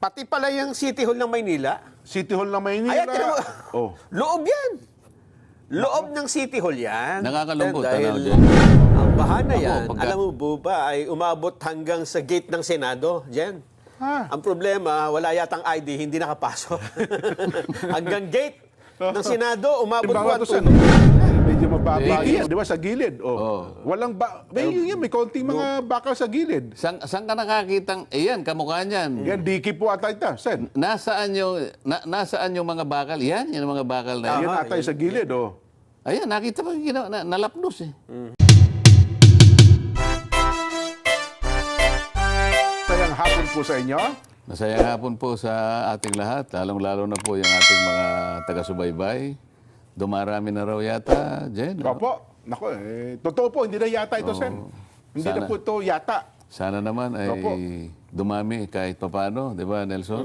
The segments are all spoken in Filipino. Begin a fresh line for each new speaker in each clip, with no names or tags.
Pati pala yung City Hall ng Maynila.
City Hall ng Maynila.
Ayan, tinan mo.
Oh.
Loob yan. Loob ng City Hall yan.
Nakakalungkot,
Dahil
ano, Jen?
ang bahana yan,
pagka-
alam mo po ba, ay umabot hanggang sa gate ng Senado, Jen.
Ah.
Ang problema, wala yatang ID, hindi nakapasok. Hanggang gate ng Senado, umabot po
Bawa
ang
to sa
tunog.
medyo mababa yan. Di ba sa gilid? Oh.
Oh.
Walang may konting mga bakal sa gilid.
Saan ka nakakitang, yan, kamukha niyan.
Yan, diki po ata ito, Sen.
Nasaan yung mga bakal? Yan yung mga bakal na yan.
Yan ata yung sa gilid, oh.
Ayan, nakita mo yung nalapnos eh.
Sayang hapon po sa inyo.
Masayang hapon po sa ating lahat, lalong-lalo na po yung ating mga taga-subaybay. Dumarami na raw yata, Jen. ano?
Opo. Nako, totoo po, hindi na yata ito, Sen. Hindi na
Sana.
po ito yata.
Sana naman ay
Opo.
dumami kahit papano, di ba, Nelson?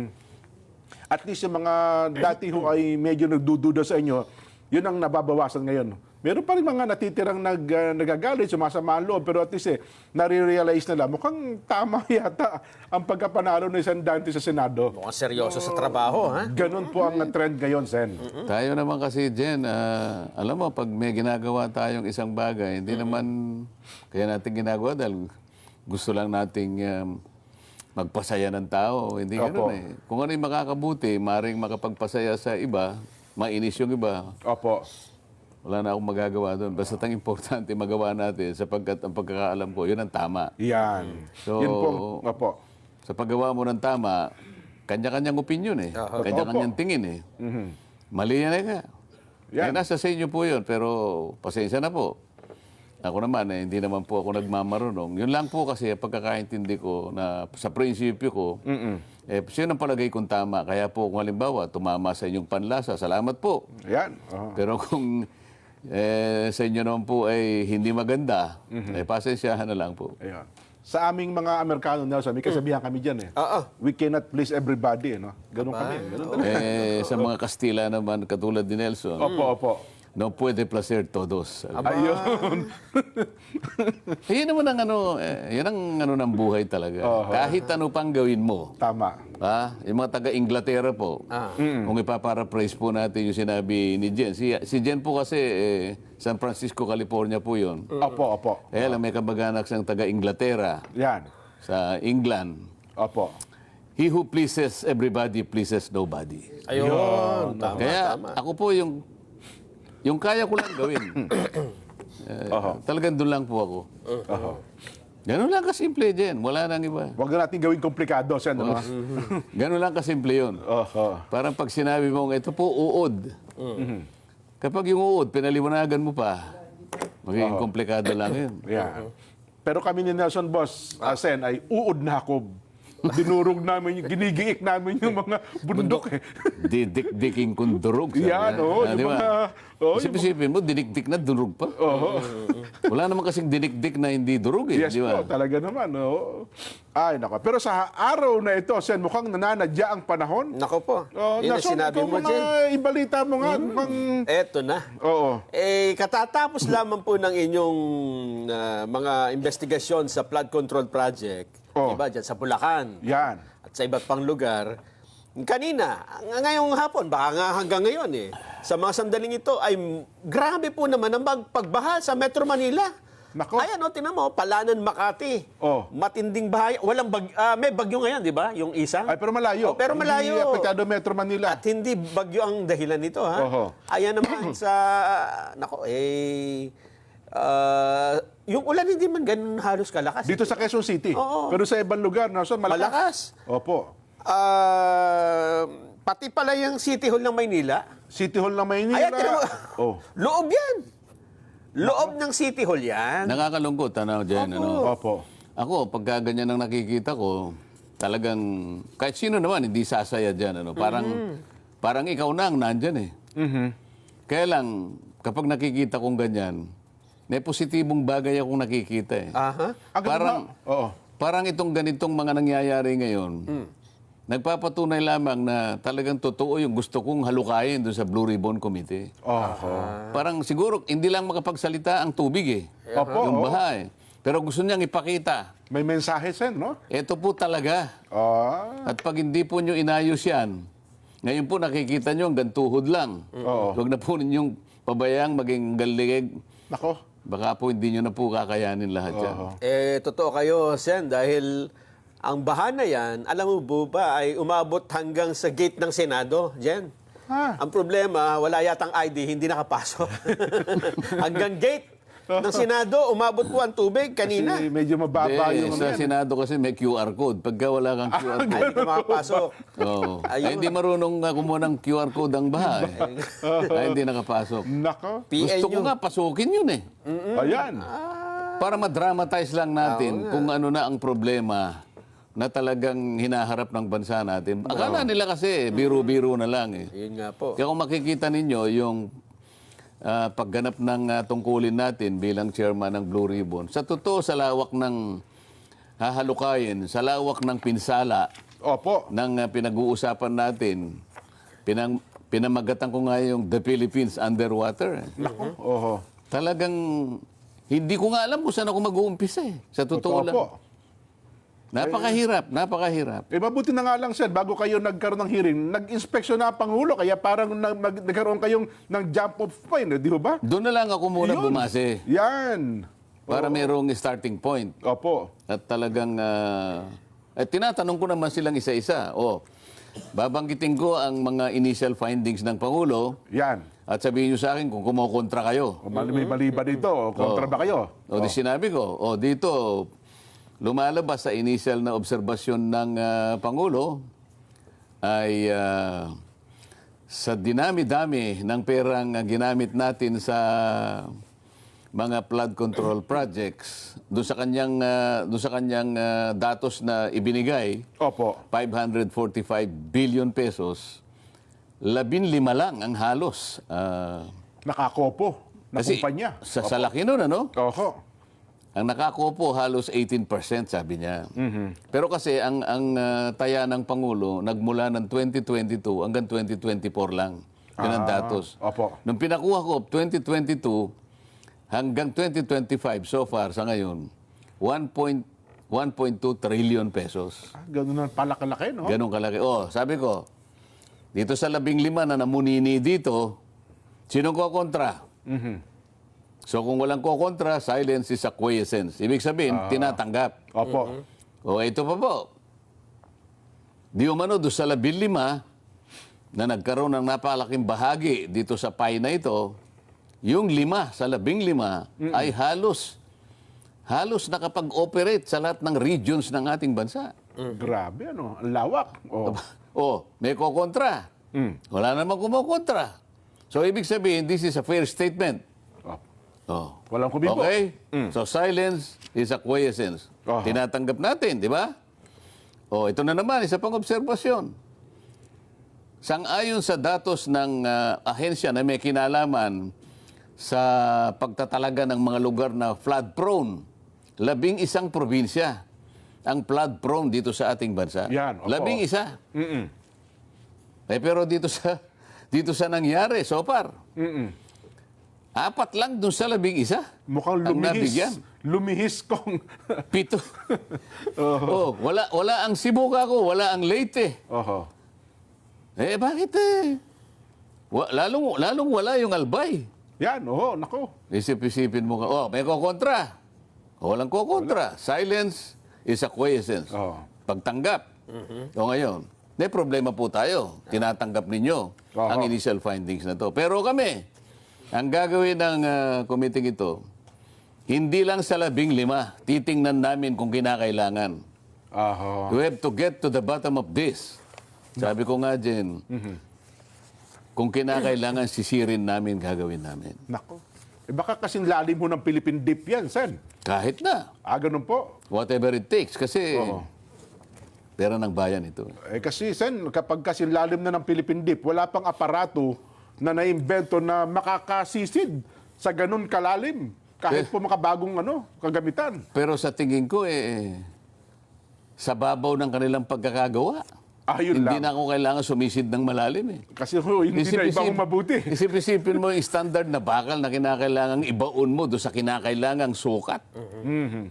At least yung mga dati ho ay medyo nagdududa sa inyo, yun ang nababawasan ngayon. Meron pa rin mga natitirang nagagalit, sumasama ang loob, pero at least nare-realize nila, mukhang tama yata ang pagkapanalo ng isang Dante sa Senado.
Mukhang seryoso sa trabaho, ha?
Ganon po ang trend ngayon, Sen.
Tayo naman kasi, Jen, alam mo, pag may ginagawa tayong isang bagay, hindi naman kaya natin ginagawa dahil gusto lang nating magpasaya ng tao. Hindi
Opo.
ganoon eh. Kung ano yung makakabuti, maring makapagpasaya sa iba, mainis yung iba,
Opo.
wala na akong magagawa doon. Basta ang importante magawa natin sapagkat ang pagkakaalam ko, yun ang tama.
Yan.
So,
Yun po. Opo.
Sa paggawa mo ng tama, kanya-kanyang opinion eh. Kanya-kanyang tingin eh. Mali yan eh ka.
Yan.
Nasa sa inyo po yun, pero pasensya na po. Ako naman hindi naman po ako nagmamarunong. Yun lang po kasi pagkakaintindi ko na sa prinsipyo ko, sino ang palagay kong tama. Kaya po kung halimbawa, tumama sa inyong panlasa, salamat po.
Yan. Oh.
Pero kung sa inyo naman po ay hindi maganda, pasensyahan na lang po.
Ayan. Sa aming mga Amerikano, Nelson, may kasabihan kami dyan eh.
Oo.
We cannot please everybody, no? Ganon kami. Ganon talaga.
Sa mga Kastila naman, katulad ni Nelson,
Opo, opo.
no puede placer todos.
Ayun.
Yan naman ang yan ang ng buhay talaga. Kahit ano pang gawin mo.
Tama.
Yung mga taga-Inglaterra po, kung ipaparaphrase po natin yung sinabi ni Jen. Si Jen po kasi, San Francisco, California po yun.
Opo, opo.
Kaya lang may kamag-anak siyang taga-Inglaterra,
Yan.
sa England.
Opo.
He who pleases everybody pleases nobody.
Ayun. Tama,
Kaya
tama.
ako po yung kaya ko lang gawin. Talagang doon lang po ako. Ganun lang kasimple, Jen. Wala nang iba.
Huwag na natin gawing komplikado, Sen. Ano?
Ganun lang kasimple yun.
Oho.
Parang pag sinabi mo, ito po uod. Kapag yung uod, pinaliwanagan mo pa, magiging komplikado lang yun.
Yan. Pero kami ni Nelson Boss, Sen, ay uod na ako. Dinurog namin, ginigiik namin yung mga bundok eh.
Didikdiking kung durog. sabi
Yan,
niya.
oo.
Ah, di
Yung
ba?
mga... Oh,
Isip-isipin mo, dinikdik na durog pa. Wala naman kasing dinikdik na hindi durog eh.
yes
di ba?
po, talaga naman. Oh. Ay, nako. Pero sa araw na ito, Sen, mukhang nananadya ang panahon.
Nako po.
Oh,
Yun ang
Nelson,
sinabi
ikaw
mo,
mga
Jen.
ibalita mo nga. Mukhang...
Eto na.
Oo.
Katatapos lamang po ng inyong mga investigasyon sa flood control project,
Oh.
diba, dyan sa Bulacan
Yan.
at sa iba't pang lugar. Kanina, ngayong hapon, baka nga hanggang ngayon sa mga sandaling ito ay grabe po naman ang pagbaha sa Metro Manila.
Nako.
Ayan, tinan mo, Palanan, Makati.
Oh.
Matinding bahay. Walang may bagyo ngayon, di ba? Yung isang.
Ay, pero malayo.
Oh, pero malayo.
Hindi apektado Metro Manila.
At hindi bagyo ang dahilan nito, ha?
Oho.
Ayan naman sa, yung ulan hindi man ganun halos kalakas.
Dito sa Quezon City.
Oo.
Pero sa ibang lugar, Nelson, malakas.
Malakas.
Opo.
Pati pala yung City Hall ng Maynila.
City Hall ng Maynila.
Ayan, tinan mo.
Oh.
Loob yan. Loob ng City Hall yan.
Nakakalungkot, Jen. Ano?
Opo.
Ako, pagka ganyan ang nakikita ko, talagang, kahit sino naman, hindi sasaya dyan. Ano? Parang ikaw na ang nandyan eh. Kaya lang, kapag nakikita kong ganyan, may positibong bagay akong nakikita eh.
Aha.
Oo.
Parang itong ganitong mga nangyayari ngayon, nagpapatunay lamang na talagang totoo yung gusto kong halukayin doon sa Blue Ribbon Committee.
Oho.
Parang siguro hindi lang makapagsalita ang tubig eh.
Opo.
Yung
oo.
baha eh. Pero gusto niyang ipakita
May mensahe, Sen, no?
Ito po talaga.
Ah,
At pag hindi po nyo inayos yan, ngayon po nakikita nyo hanggang tuhod lang.
Oo.
Huwag na po ninyong pabayang maging galigig.
nako.
Baka po hindi nyo na po kakayanin lahat yan.
Oo.
Totoo kayo, Sen, dahil ang baha na yan, alam mo po ba, ay umabot hanggang sa gate ng Senado, Jen.
Ha?
Ang problema, wala yatang ID, hindi nakapasok. Hanggang gate ng Senado, umabot po ang tubig kanina.
Kasi medyo mababa yung
Sa
ano yan.
Senado kasi may QR code. Pagka wala kang QR code,
Ay, hindi ka makapasok.
oh.
Ayun.
Ay, hindi marunong kumuha ng QR code ang baha. Ay, hindi nakapasok.
Nako.
Gusto ko
PNU.
nga pasukin yun eh.
Ayan.
Para madramatize lang natin kung ano na ang problema na talagang hinaharap ng bansa natin. Akala nila kasi biro-biro na lang eh.
Yun nga po.
Kaya kung makikita ninyo yung pagganap ng tungkulin natin bilang chairman ng Blue Ribbon, sa totoo sa lawak ng hahalukayin, sa lawak ng pinsala
Opo.
ng pinag-uusapan natin, pinamagatan ko nga yung The Philippines Underwater.
Nako. Oho.
Talagang hindi ko nga alam kung saan ako mag-uumpisa eh. Sa totoo lang.
Opo.
Napakahirap, napakahirap.
Mabuti na nga lang, Sen, bago kayo nagkaroon ng hearing, nag-inspeksyon na ang Pangulo, kaya parang nagkaroon kayong ng jump off point, di ba?
Doon na lang ako muna
Yun.
bumase
Yan.
para merong starting point.
Opo.
At talagang, tinatanong ko naman silang isa-isa. Babanggitin ko ang mga initial findings ng Pangulo
Yan.
at sabihin nyo sa akin kung kumokontra kayo.
O may mali ba dito? O kontra ba kayo?
Di sinabi ko, dito, lumalabas sa initial na obserbasyon ng Pangulo ay sa dinami-dami ng perang ginamit natin sa mga flood control projects, doon sa kanyang datos na ibinigay,
Opo.
545 billion pesos, 15 lang ang halos.
Nakakopo na
Kasi
kumpanya.
sa laki nun, ano?
Oho.
Ang nakakopo halos 18%, sabi niya. Pero kasi ang taya ng Pangulo nagmula ng 2022 hanggang 2024 lang. Yun ang datos.
Opo.
Nung pinakuha ko 2022 hanggang 2025 so far sa ngayon, 1.2 trillion pesos.
Ganun na pala-kalaki, no?
Ganun kalaki. Sabi ko, dito sa 15 na namunini dito, sinong kokontra? So kung walang kokontra, silence is acquiescence. Ibig sabihin, tinatanggap.
Opo.
Ito pa po. Di umano doon sa 15 na nagkaroon ng napakalaking bahagi dito sa pie na ito, yung 5 sa 15 ay halos nakapag-operate sa lahat ng regions ng ating bansa.
Grabe, ano? Ang lawak.
May kokontra. Wala namang kumokontra. So ibig sabihin, this is a fair statement.
Walang kumibo.
Okay? So silence is acquiescence.
Aha.
Tinatanggap natin, di ba? Ito na naman, isa pang obserbasyon. Sang-ayon sa datos ng ahensya na may kinalaman sa pagtatalaga ng mga lugar na flood-prone, 11 probinsya ang flood-prone dito sa ating bansa.
Yan, opo.
11. Pero dito sa nangyari so far, 4 lang dun sa 11.
Mukhang
ang nabigyan.
lumihis kong...
7. Wala ang Sibuga ko, wala ang Leyte.
Oho.
Bakit lalong wala yung Albay.
Yan, nako.
Isip-isipin mo ka, may kokontra. Walang kokontra. Silence is acquiescence. Pagtanggap. Ngayon, may problema po tayo. Tinatanggap ninyo ang initial findings na to. Pero kami, ang gagawin ng committee ito, hindi lang sa 15, titingnan namin kung kinakailangan. We have to get to the bottom of this. Sabi ko nga, Jen, kung kinakailangan, sisirin namin, gagawin namin.
Nako. Baka kasing lalim mo ng Philippine Deep yan, Sen.
Kahit na.
Ganun po.
Whatever it takes. Kasi pera ng bayan ito.
Kasi, Sen, kapag kasing lalim na ng Philippine Deep, wala pang aparato na naimbento na makakasisid sa ganun kalalim. Kahit po makabagong kagamitan.
Pero sa tingin ko, sa babaw ng kanilang pagkakagawa,
Yun
hindi
lang.
na ako kailangan sumisid ng malalim eh.
Kasi hindi na ibang mabuti.
Isip-isipin mo yung standard na bakal na kinakailangang ibaon mo doon sa kinakailangang sukat.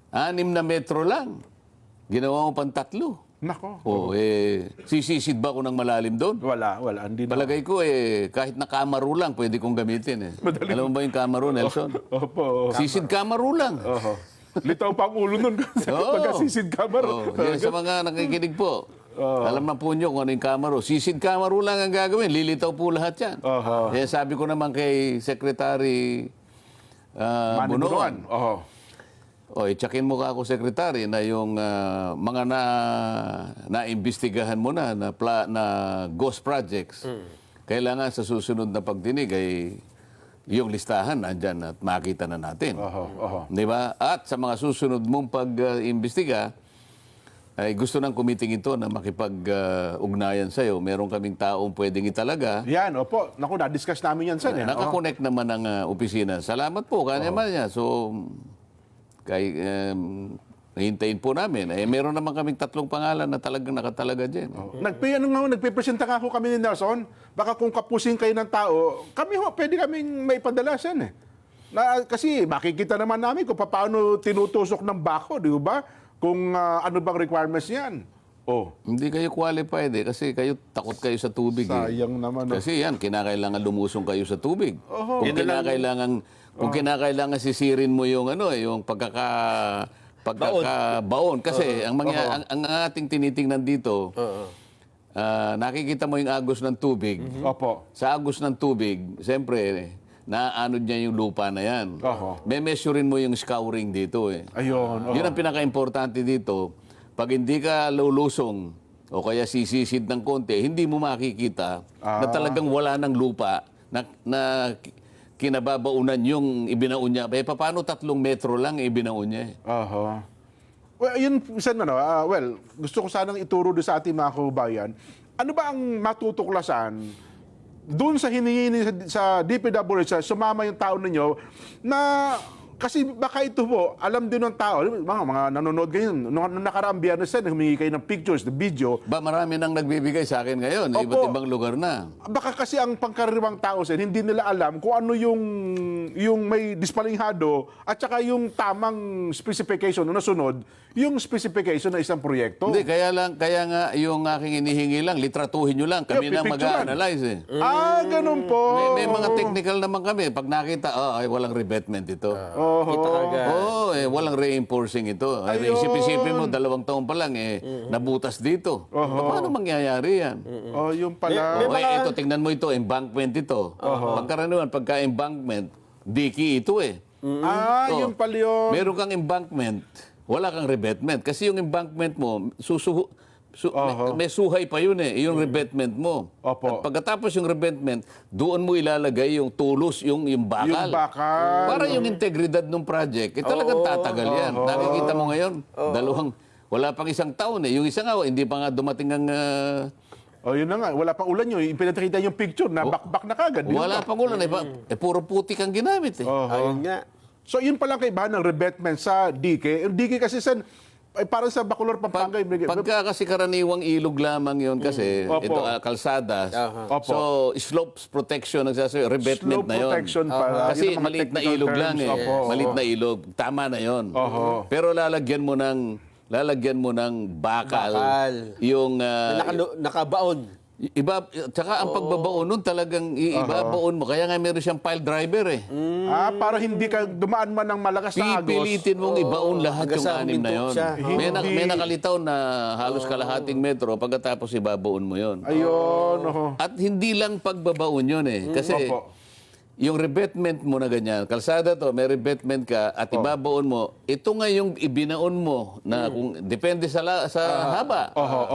6 na metro lang. Ginawa mo pang 3.
Nako.
Sisisid ba ako ng malalim doon?
Wala. Hindi na.
Palagay ko kahit na kamaro lang, pwede kong gamitin Alam mo ba yung kamaro, Nelson?
Opo.
Sisid kamaro lang.
Oho. Litaw pa ang ulo nun. Pagkasisid ka ba?
Yan sa mga nakikinig po. Alam na po nyo kung ano yung kamaro. Sisid kamaro lang ang gagawin. Lilitaw po lahat yan. Kaya sabi ko naman kay Secretary Bunuan. Tsakin mo ka ako, Secretary, na yung mga naimbestigahan mo na ghost projects, kailangan sa susunod na pagdinig ay yung listahan nandyan at makita na natin. Di ba? At sa mga susunod mong pag-imbestiga, ay gusto ng committee ito na makipag-ugnayan sa'yo. Meron kaming taong pwedeng italaga.
Yan, opo. Naku, na-discuss namin yan, Sen.
Nakakonect naman ng opisina. Salamat po, kanya man niya. So, hintayin po namin. Meron naman kaming 3 pangalan na talagang nakatalaga dyan.
Nagpipresenta nga ho kami ni Nelson. Baka kung kapusin kayo ng tao, kami ho, pwede kaming may padalasan kasi makikita naman namin kung paano tinutusok ng bako, di ba? Kung ano bang requirements yan.
Hindi kayo qualified kasi takot kayo sa tubig.
Sayang naman.
Kasi yan, kinakailangan lumusong kayo sa tubig. Kung kinakailangan sisirin mo yung yung pagkakabaon kasi ang ating tinitingnan dito, nakikita mo yung agos ng tubig.
Opo.
Sa agos ng tubig, siyempre, naanod niya yung lupa na yan. May measurein mo yung scouring dito
Ayun.
Yun ang pinaka-importante dito. Pag hindi ka lulusong o kaya sisisid ng konti, hindi mo makikita na talagang wala ng lupa na kinababaunan yung ibinaon niya. Paano 3 metro lang ibinaon niya
Well, yun, Sen, gusto ko sanang ituro doon sa ating mga kababayan. Ano ba ang matutuklasan doon sa hinihingi sa DPWH, sumama yung tao ninyo na kasi baka ito po, alam din ng tao, mga nanonood kayo, nung nakaraang Biyernes na humingi kayo ng pictures, the video.
Marami nang nagbibigay sa akin ngayon, iba't ibang lugar na.
Baka kasi ang pangkaraniwang tao, Sen, hindi nila alam kung ano yung may dispalinghado at saka yung tamang specification na nasunod, yung specification ng isang proyekto.
Hindi, kaya nga yung aking inihingi lang, litratuhin nyo lang, kami na mag-a-analyze
Ganun po.
May mga technical naman kami. Pag nakita, walang revetment ito.
Kita kagad.
Walang reinforcing ito. Isip-isipin mo, 2 taon pa lang, nabutas dito. Paano mangyayari yan?
Yung pala.
Ito, tingnan mo ito, embankment ito. Pagkaraniwan, pagka-embankment, diki ito
Yung pala yun.
Meron kang embankment, wala kang revetment. Kasi yung embankment mo, may suhay pa yun yung revetment mo.
Opo.
At pagkatapos yung revetment, doon mo ilalagay yung tulos, yung bakal.
Yung bakal.
Para yung integridad ng project, talagang tatagal yan. Nakikita mo ngayon, wala pang 1 taon Yung isa nga, hindi pa nga dumating ang...
Yun na nga, wala pang ulan yun. Pinakita yung picture na bakbak na kagad.
Wala pang ulan. Puro putik ang ginamit
Ayun nga.
So yun palang kaibahan ng revetment sa DK. Yung DK kasi parang sa Bacolor, Pampanga.
Pagka kasi karaniwang ilog lamang yun kasi, ito kalsadas. So, slopes protection, nagsasabi, revetment
Slope
na yun.
protection para.
Kasi
yun ang mga
maliit na
technical
ilog
terms.
lang Maliit na ilog. Tama na yun. Pero lalagyan mo ng bakal. Yung...
Nakabaon.
Tsaka ang pagbabaon nun talagang ibabaon mo. Kaya nga meron siyang pile driver
Para hindi ka dumaan man ng malakas na agos.
Pipilitin mong ibaon lahat yung
hanggang sa
6 na yun.
huminto
May nakalitaw na halos kalahating metro, pagkatapos ibabaon mo yun.
Ayun.
At hindi lang pagbabaon yun Kasi yung revetment mo na ganyan, kalsada to, may revetment ka at ibabaon mo, ito nga yung ibinaon mo na kung depende sa haba.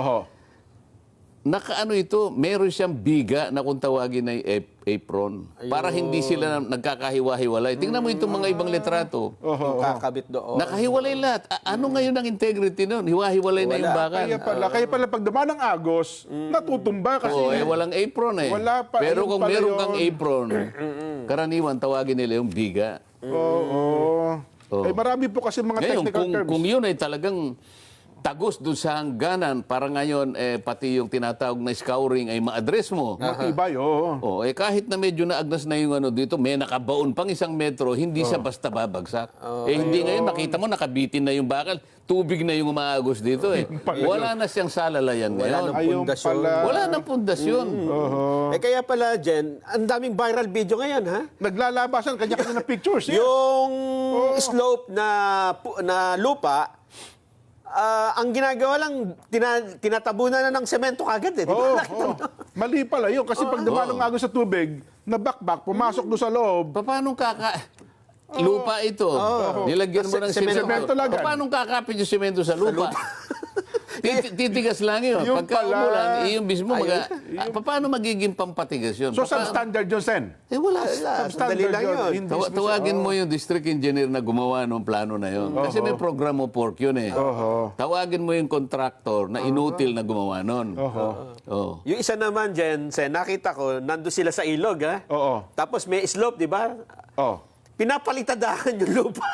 Nakaano ito, meron siyang biga na kung tawagin ay apron. Para hindi sila nagkakahiwa-hiwalay. Tingnan mo itong mga ibang litrato.
Yung kakabit doon.
Nakahiwalay lahat. Ano ngayon ang integrity nun? Hiwa-hiwalay na yung bakal.
Kaya pala pag dumaan ng agos, natutumba kasi.
Walang apron
Wala pa.
Pero
Ayun
kung
pala
meron
yun.
kang apron, karaniwan tawagin nila yung biga.
Marami po kasi mga
Ngayon,
technical terms.
kung yun ay talagang tagos doon sa hangganan para ngayon pati yung tinatawag na scouring ay ma-address mo.
Matibay, oo.
Oh, kahit na medyo naagnas na yung ano dito, may nakabaon pang 1 metro, hindi siya basta babagsak. Hindi ngayon, nakita mo, nakabitin na yung bakal. Tubig na yung umaagos dito eh. Wala na siyang salalayan ngayon.
Ayun
pundasyon.
pala.
Wala nang pundasyon.
Kaya pala, Jen, ang daming viral video ngayon, ha?
Naglalabasan, kanya-kanya na pictures. Yes.
Yung slope na lupa, ang ginagawa lang, tinatabunan na ng semento kagad eh. Di ba? Nakita mo?
Mali pala yun. Kasi pag dumalong agos sa tubig, nabakbak, pumasok doon sa loob.
Paano lupa ito. Nilagyan mo ng
Semento
semento.
lang yan.
Paano kakapit yung semento sa lupa? Titigas lang yun.
Yung
Pagka
pala.
umulan, yung mismo, paano magiging pampatigas yun?
So, substandard yun, Sen.
Wala.
Sandali lang yun.
Tawagin mo yung district engineer na gumawa ng plano na yun. Kasi may program mo pork yun eh. Tawagin mo yung contractor na inutil na gumawa nun. Oh.
Yung isa naman, Jen, nakita ko, nando sila sa ilog, ha?
Oo.
Tapos may slope, di ba?
Oh.
Pinapalitadahan yung lupa.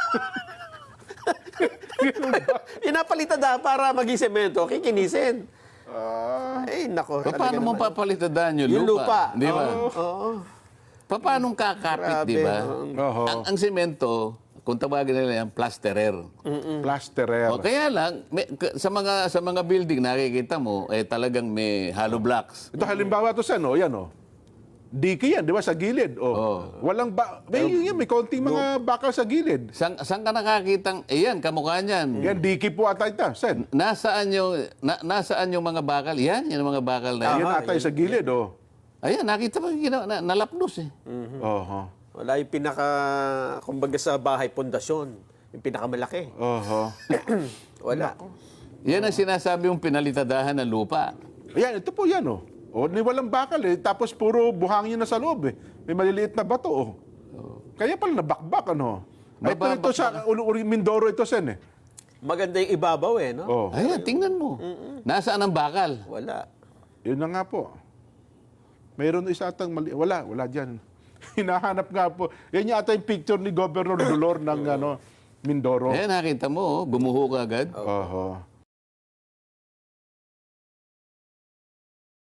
Pinapalitadahan para maging semento, kikinisin. Ay, nako.
Paano mo papalitadaan yung
Yung lupa.
Di ba?
Oo.
Paano kakapit,
Grabe,
di ba?
Oo.
Ang semento, kung tawagin nila yan, plasterer.
Plasterer.
O kaya lang, sa mga building nakikita mo, talagang may hollow blocks.
Ito halimbawa to, Sen, yan, Diki yan, di ba, sa gilid. Walang may konting mga bakal sa gilid.
Saan ka nakakitang, kamukha niyan.
Yan, diki po ata ito, Sen.
Nasaan yung mga bakal? Yan yung mga bakal na yan.
Yan ata yung sa gilid,
Ayan, nakita mo yung nalapnos eh.
Oho.
Wala yung kumbaga sa bahay, pundasyon. Yung pinakamalaki.
Oho.
Wala.
Yan ang sinasabi mong pinalitadahan ng lupa.
Ayan, ito po yan, ni walang bakal tapos puro buhangin na sa loob May maliliit na bato Kaya pala nabakbak Ito sa Mindoro ito, Sen
Maganda yung ibabaw no?
Ayan, tingnan mo. Nasaan ang bakal?
Wala.
Yun na nga po. Mayroon isa atang mali. Wala dyan. Hinahanap nga po. Yan yata yung picture ni Governor Dolor ng Mindoro.
Ayan, nakita mo, gumuho ka agad.
Oho.